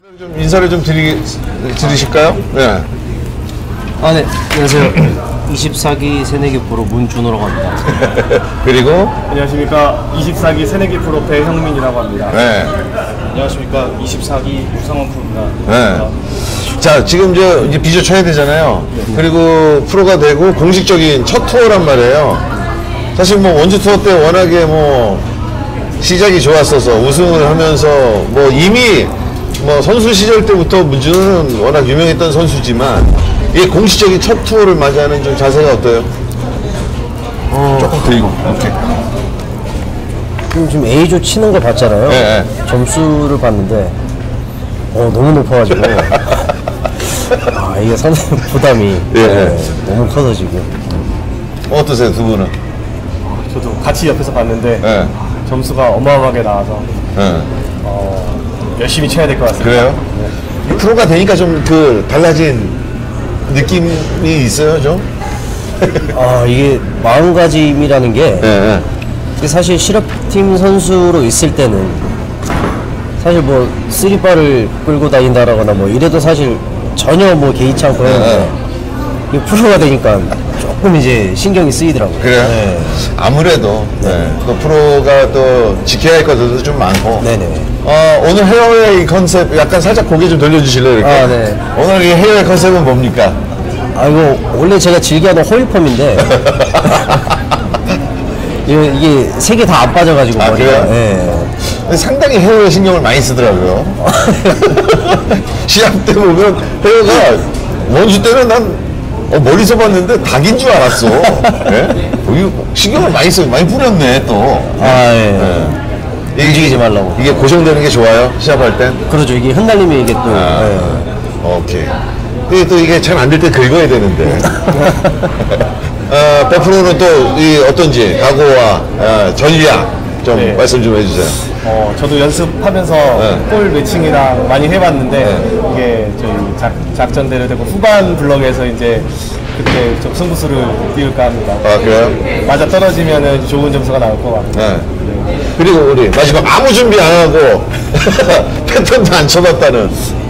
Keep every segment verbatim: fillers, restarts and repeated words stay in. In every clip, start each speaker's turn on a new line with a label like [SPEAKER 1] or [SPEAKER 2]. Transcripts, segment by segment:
[SPEAKER 1] 좀 인사를 좀 드리, 드리실까요? 네.
[SPEAKER 2] 아, 네. 안녕하세요. 이십사 기 새내기 프로 문준호라고 합니다.
[SPEAKER 1] 그리고
[SPEAKER 3] 안녕하십니까. 이십사 기 새내기 프로 배형민이라고 합니다.
[SPEAKER 1] 네.
[SPEAKER 3] 안녕하십니까. 이십사 기 유상원 프로입니다.
[SPEAKER 1] 네. 자, 지금 저 이제 비조 쳐야 되잖아요. 네. 그리고 프로가 되고 공식적인 첫 투어란 말이에요. 사실 뭐 원주 투어 때 워낙에 뭐 시작이 좋았어서 우승을 하면서 뭐 이미 뭐 선수 시절 때부터 문준호는 워낙 유명했던 선수지만 이 공식적인 첫 투어를 맞이하는 좀 자세가 어때요?
[SPEAKER 2] 어,
[SPEAKER 1] 조금 들고. 오케이.
[SPEAKER 2] 지금, 지금 A조 치는 거 봤잖아요.
[SPEAKER 1] 네, 네.
[SPEAKER 2] 점수를 봤는데 어, 너무 높아가지고 아, 이게 상당히 부담이
[SPEAKER 1] 예.
[SPEAKER 2] 네, 너무 커서 지금.
[SPEAKER 1] 어떠세요, 두 분은?
[SPEAKER 3] 저도 같이 옆에서 봤는데
[SPEAKER 1] 네.
[SPEAKER 3] 점수가 어마어마하게 나와서
[SPEAKER 1] 네.
[SPEAKER 3] 어, 열심히 쳐야 될 것 같습니다.
[SPEAKER 1] 그래요? 네. 프로가 되니까 좀 그 달라진 느낌이 있어요, 좀?
[SPEAKER 2] 아, 이게 마음가짐이라는 게
[SPEAKER 1] 네.
[SPEAKER 2] 이게 사실 실업팀 선수로 있을 때는 사실 뭐 쓰리바를 끌고 다닌다라거나 뭐 이래도 사실 전혀 뭐 개의치 않고 했는데 이 프로가 되니까 조금 이제 신경이 쓰이더라고요.
[SPEAKER 1] 그래요?
[SPEAKER 2] 네.
[SPEAKER 1] 아무래도 네. 또 프로가 또 지켜야 할 것들도 좀 많고.
[SPEAKER 2] 네네.
[SPEAKER 1] 어, 오늘 헤어웨이 컨셉 약간 살짝 고개 좀 돌려주실래요? 이렇게?
[SPEAKER 2] 아, 네.
[SPEAKER 1] 오늘 이 헤어웨이 컨셉은 뭡니까?
[SPEAKER 2] 아, 이거 원래 제가 즐겨하던 호일펌인데 이게, 이게 세 개 다 안 빠져가지고
[SPEAKER 1] 아,
[SPEAKER 2] 머리가.
[SPEAKER 1] 그래요?
[SPEAKER 2] 네.
[SPEAKER 1] 근데 상당히 헤어에 신경을 많이 쓰더라고요. 시합 때 보면 헤어가 원주 때는 난 어, 멀리서 봤는데 닭인 줄 알았어. 네? 여기 신경을 많이 써, 많이 뿌렸네 또.
[SPEAKER 2] 아, 예.
[SPEAKER 1] 네. 이게,
[SPEAKER 2] 움직이지 말라고.
[SPEAKER 1] 이게 고정되는 게 좋아요? 시합할 땐?
[SPEAKER 2] 그렇죠. 이게 흩날리면 이게 또.
[SPEAKER 1] 아,
[SPEAKER 2] 예.
[SPEAKER 1] 오케이. 근데 또 이게 잘 안 될 때 긁어야 되는데. 어, 백프로는 또 이 어떤지 각오와 어, 전략 좀
[SPEAKER 3] 네.
[SPEAKER 1] 말씀 좀 해주세요.
[SPEAKER 3] 어, 저도 연습하면서
[SPEAKER 1] 네.
[SPEAKER 3] 볼 매칭이랑 많이 해봤는데
[SPEAKER 1] 네.
[SPEAKER 3] 이게 저희 작, 작전대로 되고 후반 블럭에서 이제 그때 좀 승부수를 띄울까 합니다.
[SPEAKER 1] 아, 그래요?
[SPEAKER 3] 맞아 떨어지면은 좋은 점수가 나올 것 같아요.
[SPEAKER 1] 네. 그리고 우리 마지막 아무 준비 안 하고 패턴도 안 쳐봤다는.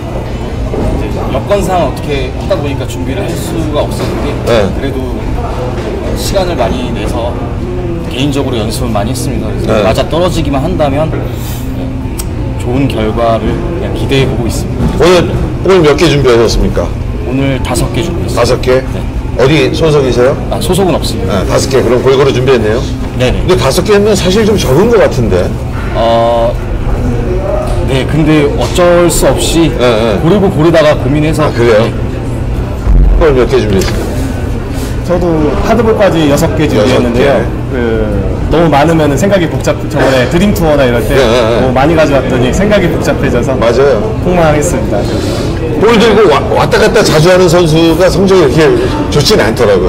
[SPEAKER 4] 여건상 어떻게 하다 보니까 준비를 할 수가 없었는데
[SPEAKER 1] 네.
[SPEAKER 4] 그래도 시간을 많이 내서 개인적으로 연습을 많이 했습니다. 그래서
[SPEAKER 1] 네.
[SPEAKER 4] 맞아 떨어지기만 한다면 좋은 결과를 그냥 기대해 보고 있습니다.
[SPEAKER 1] 오늘 오늘 몇 개 준비하셨습니까?
[SPEAKER 4] 오늘 다섯 개 준비했습니다.
[SPEAKER 1] 다섯 개? 어디 소속이세요?
[SPEAKER 4] 아, 소속은 없습니다.
[SPEAKER 1] 네, 다섯 개. 그럼 골고루 준비했네요.
[SPEAKER 4] 네네.
[SPEAKER 1] 근데 다섯 개면 사실 좀 적은 것 같은데.
[SPEAKER 4] 어, 네, 근데 어쩔 수 없이
[SPEAKER 1] 네, 네.
[SPEAKER 4] 고르고 고르다가 고민해서
[SPEAKER 1] 아, 그래요?
[SPEAKER 4] 네,
[SPEAKER 1] 오늘 몇 개 준비했어요?
[SPEAKER 3] 저도 하드볼까지 여섯 개 준비했는데요.
[SPEAKER 1] 여섯 개.
[SPEAKER 3] 그 너무 많으면 생각이 복잡. 저번에 드림 투어나 이럴 때
[SPEAKER 1] 네, 네, 네.
[SPEAKER 3] 너무 많이 가져왔더니 생각이 복잡해져서
[SPEAKER 1] 맞아요.
[SPEAKER 3] 폭망했습니다.
[SPEAKER 1] 볼 들고 와, 왔다 갔다 자주 하는 선수가 성적이 이렇게 좋지는 않더라고요.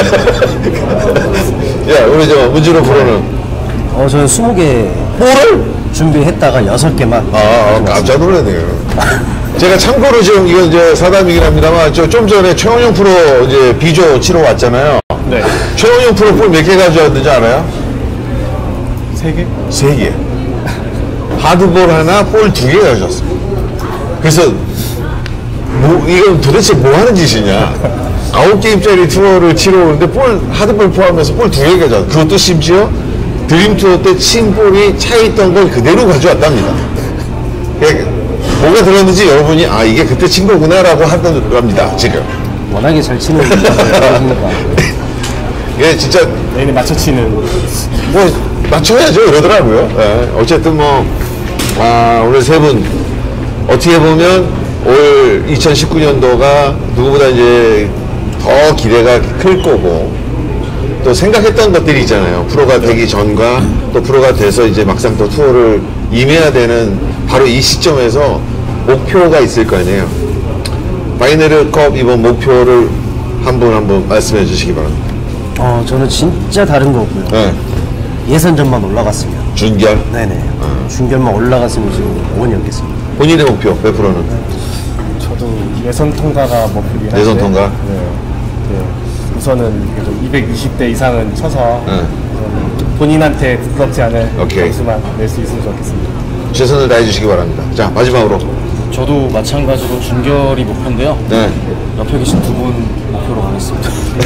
[SPEAKER 1] 야, 우리 저 문준호 프로는
[SPEAKER 2] 어, 저는 스무 개
[SPEAKER 1] 볼을?
[SPEAKER 2] 준비했다가 여섯 개만.
[SPEAKER 1] 아, 아 깜짝 놀랐네요. 제가 참고로 지금 이건 이제 사담이긴 합니다만 저 좀 전에 최원영 프로 이제 비조 치러 왔잖아요.
[SPEAKER 3] 네.
[SPEAKER 1] 최원영 프로 볼 몇 개 가져왔는지 알아요?
[SPEAKER 3] 세 개?
[SPEAKER 1] 세 개. 하드볼 하나, 볼 두 개 가져왔습니다. 그래서 뭐 이건 도대체 뭐 하는 짓이냐? 아홉 게임짜리 투어를 치러 오는데 볼 하드볼 포함해서 볼 두 개 가져왔. 그것도 심지어 드림 투어 때 친 볼이 차 있던 걸 그대로 가져왔답니다. 그러니까 뭐가 들었는지 여러분이 아 이게 그때 친 거구나라고 하답니다 지금.
[SPEAKER 2] 워낙에 잘 치는 분이니까.
[SPEAKER 1] 이게 진짜
[SPEAKER 3] 내일에 맞춰치는
[SPEAKER 1] 뭐 맞춰야죠 이러더라고요. 네. 어쨌든 뭐 아, 오늘 세 분 어떻게 보면 올 이천십구 년도가 누구보다 이제 더 기대가 클 거고 또 생각했던 것들이 있잖아요. 프로가 되기 전과 또 프로가 돼서 이제 막상 또 투어를 임해야 되는 바로 이 시점에서 목표가 있을 거 아니에요. 바이네르컵 이번 목표를 한 분 한 분 말씀해 주시기 바랍니다.
[SPEAKER 2] 어, 저는 진짜 다른 거 없고요.
[SPEAKER 1] 네.
[SPEAKER 2] 예선전만 올라갔으면.
[SPEAKER 1] 준결.
[SPEAKER 2] 네네. 준결만 올라갔으면 지금 오원이었겠습니다.
[SPEAKER 1] 본인의 목표 몇 프로는?
[SPEAKER 3] 저도 예선 통과가 목표긴 한데
[SPEAKER 1] 예선 통과?
[SPEAKER 3] 네. 네. 우선은 그래도 이백이십 대 이상은 쳐서
[SPEAKER 1] 네.
[SPEAKER 3] 우선 본인한테 부끄럽지 않을
[SPEAKER 1] 오케이.
[SPEAKER 3] 점수만 낼 수 있으면 좋겠습니다.
[SPEAKER 1] 최선을 다해 주시기 바랍니다. 자, 마지막으로
[SPEAKER 4] 저도 마찬가지로 준결이 목표인데요.
[SPEAKER 1] 네.
[SPEAKER 4] 옆에 계신 두 분 목표로 가겠습니다.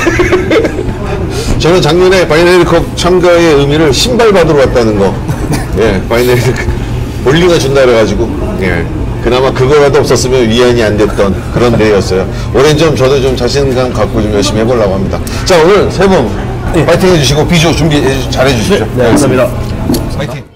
[SPEAKER 1] 저는 작년에 바이너리컵 참가의 의미를 신발 받으러 왔다는 거. 예, 바이너리 볼링을 준다 그래가지고, 예. 그나마 그거라도 없었으면 위안이 안 됐던 그런 대회였어요. 올해는 좀 저도 좀 자신감 갖고 좀 열심히 해보려고 합니다. 자, 오늘 세 분 파이팅 해주시고 비조 준비 잘 해주시죠.
[SPEAKER 2] 네, 감사합니다.
[SPEAKER 1] 파이팅.